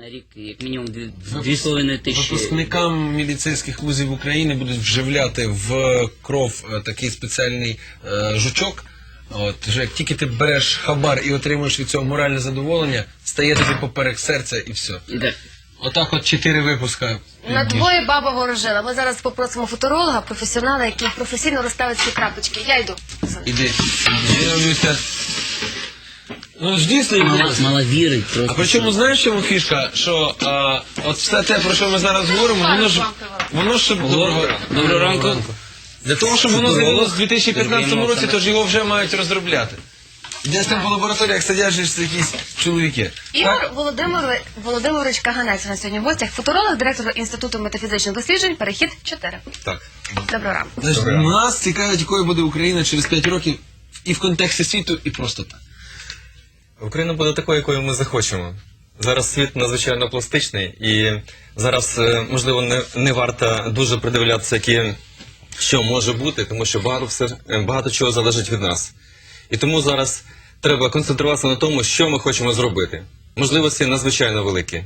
на рік як мінімум 2,5 тисячі. Випускникам міліцейських вузів України будуть вживляти в кров такий спеціальний жучок. От, що як тільки ти береш хабар і отримуєш від цього моральне задоволення, стає тобі поперек серця і все. Отак от 4 випуска. На двоє баба ворожила. Ми зараз попросимо футуролога, професіонала, який професійно розставить ці крапочки. Я йду. Іди. Дивлюся. Ну ж дійсно, Мала вірить просто. а причому знаєш, чому фішка? Що от все те, про що ми зараз говоримо, воно ж Доброго ранку. Для того, щоб воно з'явилося в 2015 році, то ж його вже мають розробляти. Десь там по лабораторіях сидять ж якісь чоловіки. Ігор Володимирович Каганець у нас сьогодні в гостях. Футуролог, директор Інституту метафізичних досліджень, Перехід 4. Так. Доброго ранку. Значить, нас цікавить, якою буде Україна через 5 років і в контексті світу, і просто так. Україна буде такою, якою ми захочемо. Зараз світ надзвичайно пластичний, і зараз, можливо, не варто дуже придивлятися, що може бути, тому що багато чого залежить від нас. І тому зараз треба концентруватися на тому, що ми хочемо зробити. Можливості надзвичайно великі.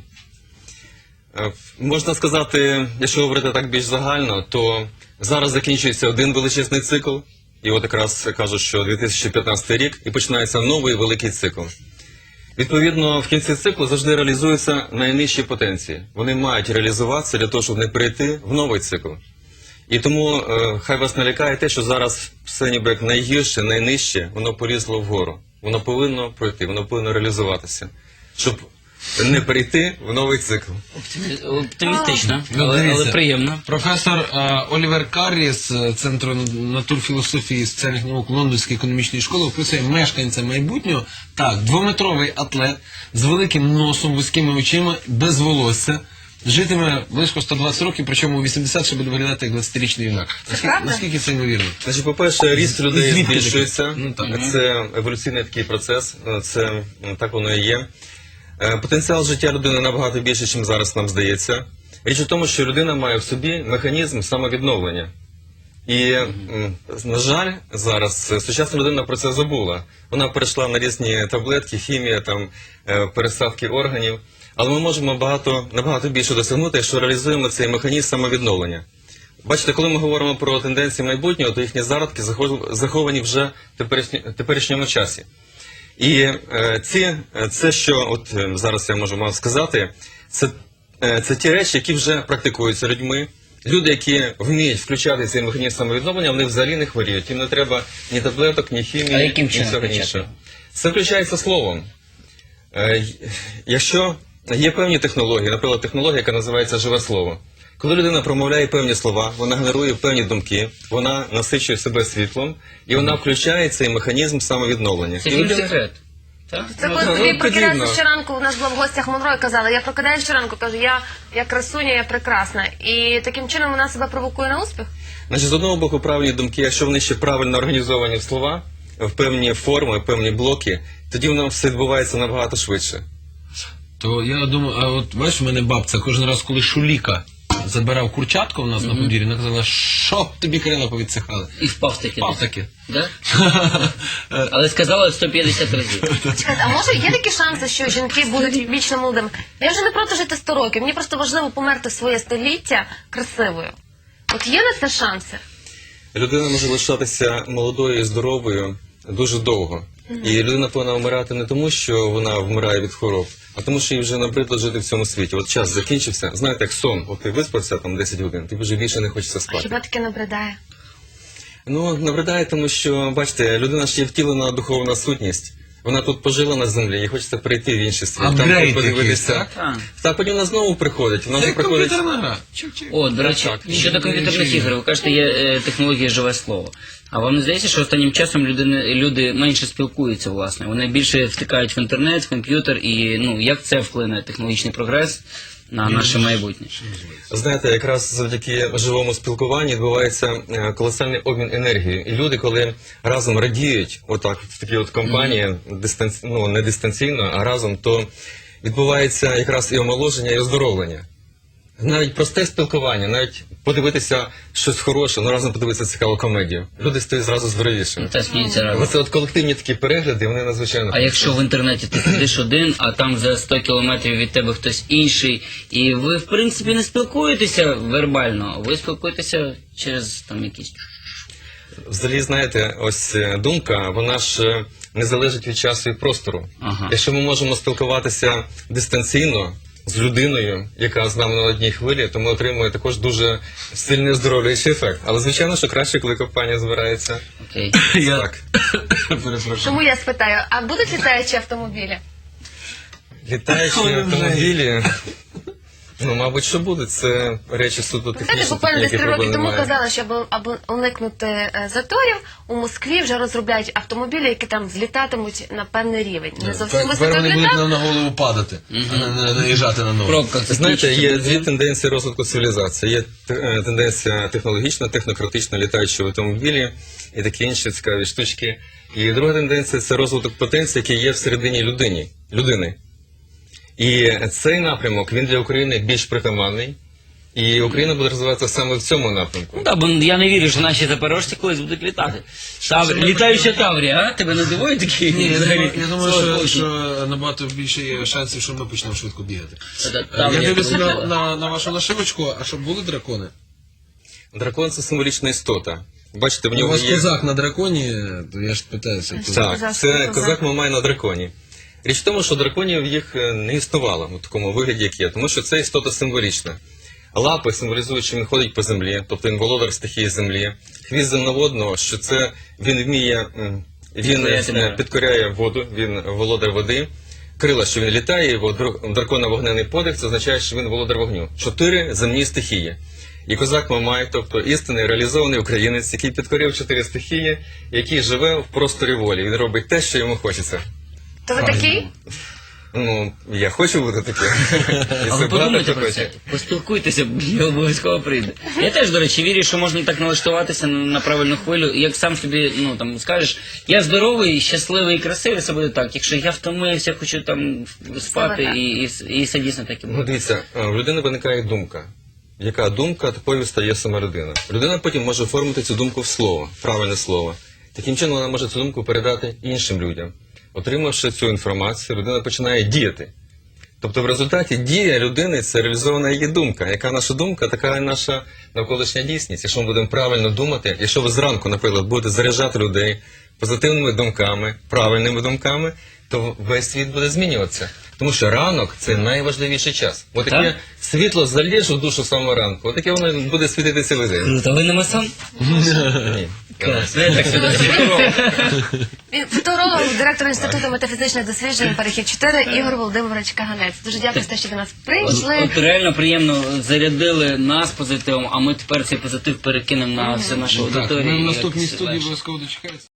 Можна сказати, якщо говорити так більш загально, то зараз закінчується один величезний цикл, і от якраз кажуть, що 2015 рік, і починається новий великий цикл. Відповідно, в кінці циклу завжди реалізуються найнижчі потенції. Вони мають реалізуватися для того, щоб не перейти в новий цикл. І тому хай вас не лякає те, що зараз все ніби як найгірше, найнижче, воно полізло вгору. Воно повинно пройти, воно повинно реалізуватися, щоб не перейти в новий цикл. Оптимістично, але приємно. Професор Олівер Каррі з Центру натурфілософії і соціальних наук Лондонської економічної школи описує мешканця майбутнього. Так, 2-метровий атлет з великим носом, вузькими очима, без волосся. Житиме близько 120 років, причому у 80 ще буде виглядати як 20-річний юнак. Наскільки це ймовірно? Значить, по-перше, ріст людей збільшується. Ну, так. Це еволюційний такий процес, це так воно і є. Потенціал життя людини набагато більше, ніж зараз нам здається. Річ у тому, що людина має в собі механізм самовідновлення. І, на жаль, зараз сучасна людина про це забула. Вона перейшла на різні таблетки, хімія, переставки органів. Але ми можемо набагато більше досягнути, якщо реалізуємо цей механізм самовідновлення. Бачите, коли ми говоримо про тенденції майбутнього, то їхні зародки заховані вже в теперішньому часі. І це, що от зараз я можу вам сказати, це ті речі, які вже практикуються людьми. Люди, які вміють включати цей механізм самовідновлення, вони взагалі не хворіють. Їм не треба ні таблеток, ні хімії, ні всього іншого. Це включається словом. Якщо є певні технології, наприклад, технологія, яка називається живе слово. Коли людина промовляє певні слова, вона генерує певні думки, вона насичує себе світлом, і вона включає цей механізм самовідновлення. Це секрет. Це коли тобі прокидаєшся щоранку, у нас була в гостях Монро і казала, я прокидаюся щоранку, кажу, я красуня, я прекрасна. І таким чином вона себе провокує на успіх? Значить, з одного боку, правильні думки, якщо вони ще правильно організовані в слова, в певні форми, в певні блоки, тоді воно все відбувається набагато швидше. То я думаю, а от бачиш, в мене бабця кожен раз, коли Шуліка забирав курчатку у нас на подвір'ї, вона казала, що тобі крила повідсихали. І впав таки. Впав таки. Да? Але сказала 150 разів. Чекайте, а може є такі шанси, що жінки будуть вічно молодими? Я вже не проти жити 100 років, мені просто важливо померти своє століття красивою. От є на це шанси? Людина може лишатися молодою і здоровою дуже довго. І людина повинна вмирати не тому, що вона вмирає від хвороб, а тому, що їй вже набридло жити в цьому світі. От час закінчився, знаєте, як сон, от ти виспався 10 годин, тобі вже більше не хочеться спати. Хіба таке набридає? Ну, набридає, тому що, бачите, людина ж є втілена духовна сутність. Вона тут пожила на землі, і хочеться перейти в інший світ. Апгрейд подивитися. якийсь, так? Так, потім вона знову приходить. Вона вже Це приходить. комп'ютерна гра. О, до речі, щодо комп'ютерних ігор, ви кажете, є технологія живе слово. А вам не здається, що останнім часом люди менше спілкуються, власне? Вони більше втикають в інтернет, в комп'ютер, і як це вплине технологічний прогрес на наше майбутнє? Знаєте, якраз завдяки живому спілкуванню відбувається колосальний обмін енергією. І люди, коли разом радіють, отак, в такій от компанії, не дистанційно, а разом, то відбувається якраз і омоложення, і оздоровлення. навіть просте спілкування, навіть подивитися щось хороше, ну разом подивитися цікаву комедію. Люди стають зразу здоровішими. Та сміються разом. Оце от колективні такі перегляди, вони надзвичайно. А якщо в інтернеті ти сидиш один, а там за 100 кілометрів від тебе хтось інший, і ви, в принципі, не спілкуєтеся вербально, ви спілкуєтеся через там якісь... Взагалі, знаєте, ось думка, вона ж не залежить від часу і простору. Ага. Якщо ми можемо спілкуватися дистанційно з людиною, яка з нами на одній хвилі, то ми отримуємо також дуже сильний оздоровлюючий ефект. Але звичайно, що краще, коли компанія збирається. Окей. Так. Перепрошую. Тому я спитаю, а будуть літаючі автомобілі? Літаючі автомобілі, ну, мабуть, що будуть. Це речі суто Знаєте, технічні, буквально десь які 3 роки проблем тому немає. казали, що аби уникнути заторів, у Москві вже розробляють автомобілі, які там злітатимуть на певний рівень. Не зовсім Тепер високо вони будуть літак. нам на голову падати, а не наїжджати на ноги. Пробка. це Знаєте, скільки є буде? дві тенденції розвитку цивілізації. Є тенденція технологічна, технократична, літаючі автомобілі і такі інші цікаві штучки. І друга тенденція – це розвиток потенції, який є всередині людини. І цей напрямок, він для України більш притаманний. І Україна буде розвиватися саме в цьому напрямку. Ну так, бо я не вірю, що наші запорожці колись будуть літати. Літаюча Таврія, а? Тебе не дивує такі? Ні, взагалі? я думаю, Слава що Богу. набагато більше є шансів, що ми почнемо швидко бігати. Та- Я Таврія дивлюся полетіла. на вашу нашивочку, а щоб були дракони? Дракон – це символічна істота. Бачите, в У нього вас є... козак на драконі, то я ж питаюся. то- Так, Козак, це козак. козак Мамай на драконі. Річ в тому, що драконів їх не існувало у такому вигляді, як є, тому що це істота символічна. Лапи символізують, що він ходить по землі, тобто він володар стихії землі. Хвіст земноводного, що це він вміє, він підкоряє воду, він володар води. Крила, що він літає, його дракона вогнений подих, це означає, що він володар вогню. 4 земні стихії. І козак Мамай, тобто істинний реалізований українець, який підкорив 4 стихії, який живе в просторі волі. Він робить те, що йому хочеться. То ви такий? Ну, я хочу бути таким. І А це ви подумайте багато хто про хоче. це, поспілкуйтеся, я обов'язково прийду. Я теж, до речі, вірю, що можна так налаштуватися на правильну хвилю. І як сам собі, ну там скажеш, я здоровий, щасливий і красивий, це буде так. Якщо я втомився, хочу там спати, так. і це дійсно так і Ну, буде. дивіться, в людини виникає думка. Яка думка, такою стає сама людина. Людина потім може оформити цю думку в слово, правильне слово. Таким чином вона може цю думку передати іншим людям. Отримавши цю інформацію, людина починає діяти. Тобто в результаті дія людини – це реалізована її думка. Яка наша думка, така і наша навколишня дійсність. Якщо ми будемо правильно думати, якщо ви зранку, наприклад, будете заряджати людей позитивними думками, правильними думками, то весь світ буде змінюватися. Тому що ранок – це найважливіший час. От Так? таке світло заліже в душу самого ранку, от таке воно буде світити цілий день. Круто, ви не масон? Ні. Клас, я так сюди. Він футуролог, директор Інституту метафізичних досліджень «Перехід 4» Ігор Володимирович Каганець. Дуже дякую за те, що до нас прийшли. От реально приємно зарядили нас позитивом, а ми тепер цей позитив перекинемо на всю нашу Так, аудиторію. ми в і наступній якось студії легше. обов'язково дочекаємося.